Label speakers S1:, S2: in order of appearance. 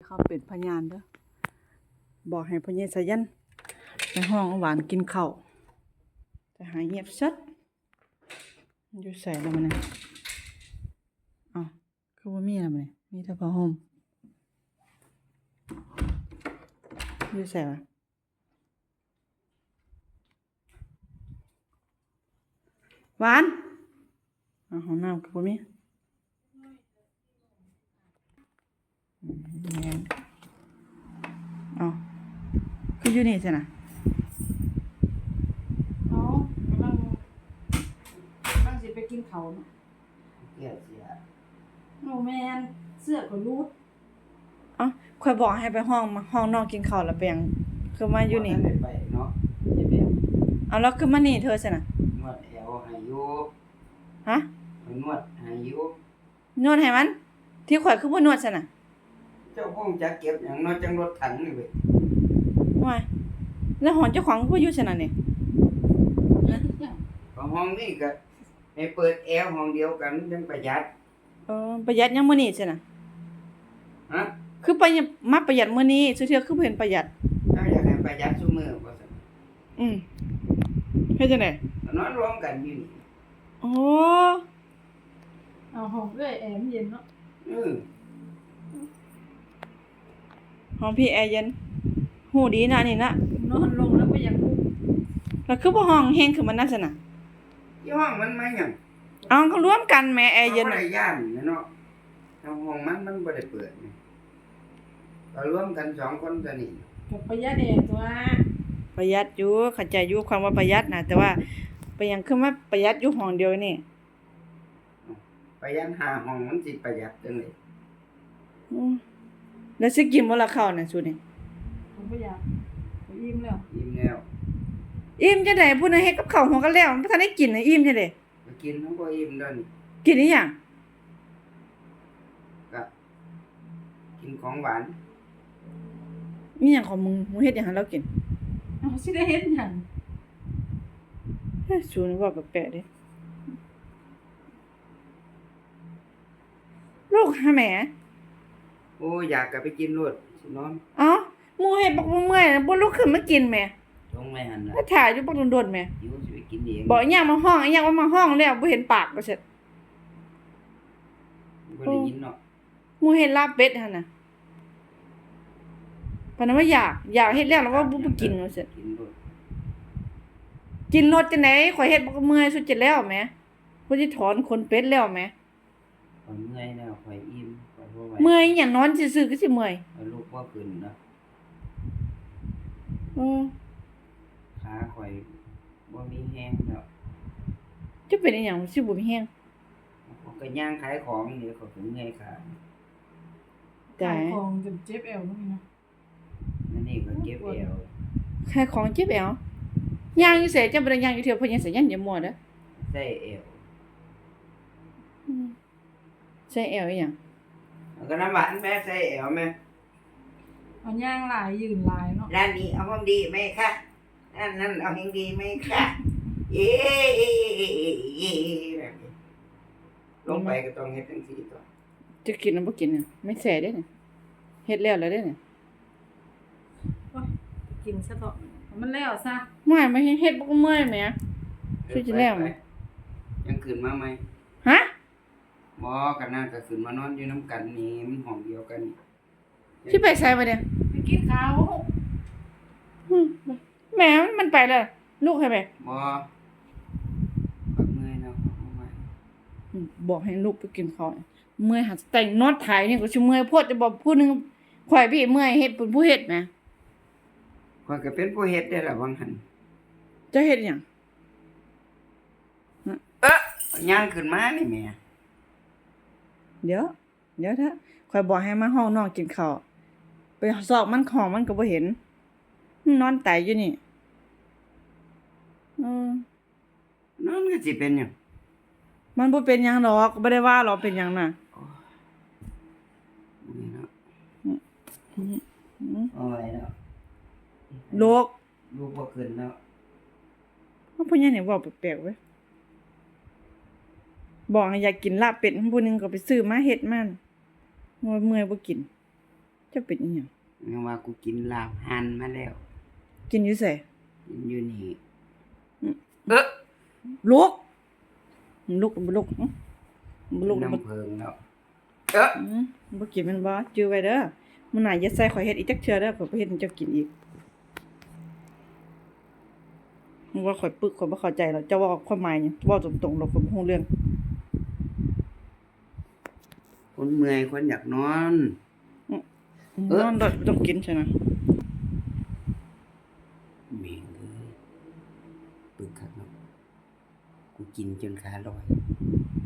S1: เขาเป็นพยานเด้อบอกให้พ่อใหญ่สายันไปห้องหวานกินข้าวแต่หายเงียบซัดอยู่ใส่แล้วมันน่ะอ้าวคือบ่มีแล้วมันนี่มีแต่ผ้าห่มอยู่ใส่วะหวานอ้าวห้องน้ำก็บ่มีแม่นอ้าวคืออยู่นี่ซั่นน่ะอ๋อกำลังสิไปกินข้าวเนาะ
S2: เสีย
S1: โอ้แม่นเสื้อก็รูดเอ้าข่อยบอกให้ไปห้องนอกกินข้าวแล้วไปหยังคือมาอยู่นี่
S2: ได้ไปเนาะ
S1: เอาแล้วคือมานี่เธอซั่นน่ะ
S2: นวดแอวให้อยู่
S1: ฮะ
S2: นวดให้อยู่
S1: นวดให้มัน ที่ข่อยคือบ่นวดซั่นน่ะ
S2: เจ้าคงจะเก็บหยังเนาะจังรถถังนี่เว้ย
S1: ว้ายแล้วหอนเจ้าของก็อยู่ซั่นน่ะนี่
S2: ก็ห้องนี้ก็ให้เปิดแอร์ห้องเดียวกันจังประหยัด
S1: ประหยัดยังมื้อนี้ซั่นน่ะ
S2: ฮะ
S1: คือมาประหยัดมื้อนี้ซุเทื่อคือบ่เห็นประหยัด
S2: เจ้าอยากให้ประหยัดซุมื้อบ่ซั่น
S1: เฮ็ดจังได๋
S2: นอนรวมกันอยู่นี่
S1: โอ้
S3: เอาห้องเอ้ยแอร์มันเย็นเนาะ
S1: ห้องพี่แอร์เย็นฮู้ดีนะนี่นะ
S3: นอนลงแล้วก็อยากลุก
S1: แล้วคือบ่ห้องแฮงคือมันนั่นซั่นน่ะ
S2: ที่ห้องมันมาหยัง
S1: เอาเขารวมกันแหม่แอร์เย็น
S2: บ่
S1: น่ะ
S2: ได้ย่านเนาะทางห้องมันบ่ได้เปิดนี่ก็รวมกัน2คนตัวนี้
S3: กับประหยัดแอร์ตัว
S1: ประหยัดอยู่เข้าใจอยู่ความว่าประหยัดนะแต่ว่าไปหยังคือมาประหยัดอยู่ห้องเดียวนี่
S2: ประหยัด5ห้องมันสิประหยัดจังได๋
S1: อือแล้วสิกินบ่ล่ะข้าวน่ะสุนี่
S3: ผมบ่อยากผมอิ่มแล้ว
S2: อิ่มแล้ว
S1: อิ่มจังได๋ผู้นั้นเฮ็ดกับข้าวหัวกันแล้วมันบ่ทันได้กินน่ะอิ่มจังได๋
S2: ก็กินมันบ่อิ่มเด้อนี่
S1: กินอีหยัง
S2: ก็กินของหวาน
S1: มีหยังของมึงเฮ็ดหยังให้เรากิน
S3: เอาสิได้เฮ็ดหยัง
S1: เฮ้ยสุนี่ว่าแปลกๆเด้ลูกหาแหม
S2: โอ้อยากกลับไปกินรวดสินอน
S1: เอ้าหมู่เฮ็ดบักบ่เมื่อยน่ะบ่ลุกขึ้นมากินแหม
S2: ลงไม่หันละ
S1: ถ้าถ่ายอยู่บักโดนๆแหม
S2: หิวสิไปกินเอง
S1: บอกอีหยังมาห้องอีหยังว่ามาห้องแล้วบ่เห็นปากว่าซั่น
S2: บ่ได้ยินเนาะ
S1: หมู่เฮ็ดลาบเป็ดหั่นน่ะปานนั้นว่าอยากเฮ็ดแล้วแล้วว่าบ่กินว่าซั่น
S2: กินรวด
S1: กินรสจังได๋ข่อยเฮ็ดบ่เมื่อยสุดจะแล้วแหมผู้สิถอนขนเป็ดแล้วแหม
S2: ข่อยเมื่อยแล้วข่อยอิ่มข่อยบ่ไหว
S1: เมื่อยหยังนอนซื่อๆก็สิเมื่อย
S2: ข่อยลุกบ่ขึ้นเนาะ
S1: อือ
S2: ขาข่อยบ่มีแฮงแล้ว
S1: จะเป็นอีหยังสิบ่มีแฮง
S2: ข่อยก็ย่างขายของนี่ข่อยก็เมื่อยขา
S1: แต่
S3: ขายของจนเจ็บแอวเนาะพี่เนาะ
S2: นั่นนี่ก็เก็บเอว
S1: แค่ของเจ็บแอวย่างอยู่ไสจังบ่ได้ย่างอยู่เที่ยวเพิ่นยังสิยันอย่ามั่วเด้อ
S2: ใส่เอว
S1: อืมใส่แอวอีหยัง
S2: แล้วก็น้ำหวานแม่ใส่เอวแม่
S3: เอาย่างหลายยืนหลายเนาะ
S2: ร้านนี้เอาของดีไหมคะนั่นเอาของดีไหมคะเย้แบบนี้ลงไปก็ต้องเฮ็ดจังซี่ต่อ
S1: จะกินหรือบ่กินน่ะไม่แซ่เด้เนี่ยเฮ็ดแล้วเด้เนี่ย
S3: โอ้ยกินซะเถอะมันแล้วซะ
S1: ไม่เฮ็ดบ่เมื่อยแหม ช่วยจะแล้วไหม
S2: ยังขึ้นมาไหม
S1: ฮะ
S2: บ่กันนั่นก็ขึ้นมานอนอยู่น้ำกันนี่มันห้องเดียวกันนี่
S1: สิไปไสบ่เนี่ย
S3: ไปกินข้าว
S1: อืมแหมมันไปแล้วลูกให้แม่
S2: บ่ข้อยเมื่อยแล้วข้อยบ่ไหว
S1: บอกให้ลูกไปกินข้าวเมื่อยหาแต่งนอนถ่ายนี่ก็สิเมื่อยโพดจะบอกผู้หนึงข่อยพี่เมื่อยเฮ็ดเป็นผู้เฮ็ดแหม
S2: ข้อยก็เป็นผู้เฮ็ดได้ล่ะวังหัน
S1: จะเฮ็ดหยัง
S2: ย่างขึ้นมานี่แหม่
S1: เดี๋ยวเถอะข่อยบอกให้มาห้องนอนกินข้าวไปซอกมันของมันก็บ่เห็นนอนตายอยู่นี่อืม
S2: นั่นก็สิเป็นหยัง
S1: มันบ่เป็นหยังดอกบ่ได้ว่าหรอกเป็นหยังน่ะ
S2: นี่เนาะ
S1: อืม
S2: เอาไว้เนาะ
S1: โลก
S2: ลูกบ่ขึ้นแล้ว
S1: ว่าพ่อใหญ่นี่เว้าแปลกๆเว้ยบอกให้อยากกินลาบเป็ดผู้หนึงก็ไปซื้อมาเฮ็ดมันเมื่อยบ่กินจะเป็นอีหยัง
S2: งั้นว่ากูกินลาบหั่นมาแล้ว
S1: กินอยู่ไส
S2: กินอยู่นี่
S1: ลุกลุกบ่ลุกบ่ลุกบ่
S2: น้ำเพิงแล้ว
S1: บ่กินแมันบ่จื้อไว้เด้อมื้อหน้าอย่าใส่ข่อยเฮ็ดอีกจักเทื่อเด้อข่อยบ่เฮ็ดให้เจ้ากินอีกมึงว่าข่อยปึกข่อยบ่เข้าใจแล้วเจ้าเว้าความหมายหยังเว้าตรงๆแล้วข่อยบ่รู้เรื่อง
S2: คนเมื่อยคนอยากนอน
S1: นอนแล้วต้องกินใช่นะ
S2: แม่งเอ้ยปึกคักเนาะกูกินจนขาลอย